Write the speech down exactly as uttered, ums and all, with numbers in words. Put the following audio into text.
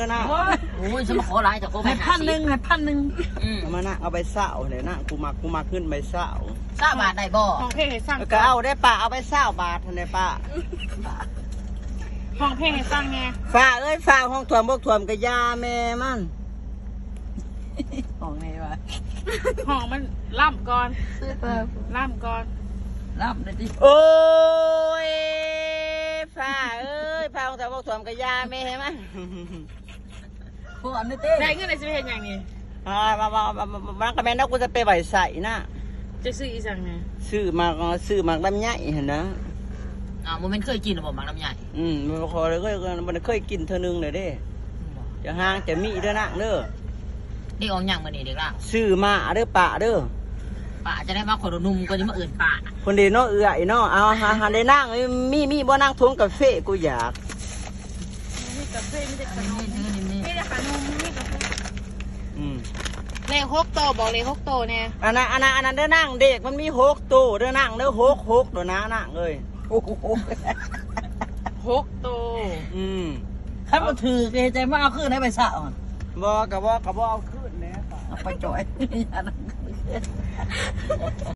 นะโอ้ยฉันมาขอหลายแต่ก็ไม่ให้พันหนึ่งให้พันหนึ่งเอามานะเอาไปเศร้าเลยนะกูมักกูมักขึ้นไปเศร้าทราบบาทได้บ่ห้องเพลงให้สร้างก็เอาได้ป้าเอาไปเศร้าบาททันได้ป้าห้องเพลงให้สร้างไงฝ้าเอ้ยฝ้าห้องถ่วมบกถ่วมกะยาแม่มันของไงวะห้องมันล่ำก่อนล่ำก่อนรับเลยดิโอ้ยฝ้าเอ้ยฝ้าห้องถ่วมบกถ่วมกะยาแม่มันพวกอันนี้เต้ได้เงินในสิบเอ็ดอย่างนี้อ่ามามามามามากระแมนแล้วกูจะไปไหวใส่นะจะซื้ออีสังไงซื้อมาซื้อมาลำไยเห็นนะอ่าโมเมนต์เคยกินหรือเปล่ามังลำใหญ่อืมมันคอเลยก็มันเคยกินเท่านึงเลยเด้จะห่างจะมีเด้อนะเด้อเด็กออกอย่างมานี่เด็กล่ะซื้อมาเด้อป่าเด้อป่าจะได้มาขอนุ่มก็จะมาเอื่นป่าคนเดียวเนาะเอื้อยเนาะเอาหาหาได้นั่งมีมีบ่นั่งทวงกาแฟกูอยากมีกาแฟมีแต่ขนมนี่นี่นี่มีแต่ขนมมีกาแฟอืมเลขหกโตบอกเลขหกโตเนี่ยอันนั้นอันนั้นอันนั้นเด้อนั่งเด็กมันมีหกตู้เด้อนั่งเด้อหกหกเด้อนะนั่งเอ้ยโอ้โหหกโตอืมถ้ามาถือเกใจมาเอาขึ้นให้ไปสะอ่ะบ่กะบ่กะบ่เอาขึ้นแหน่ป่าเอาไปจ่อย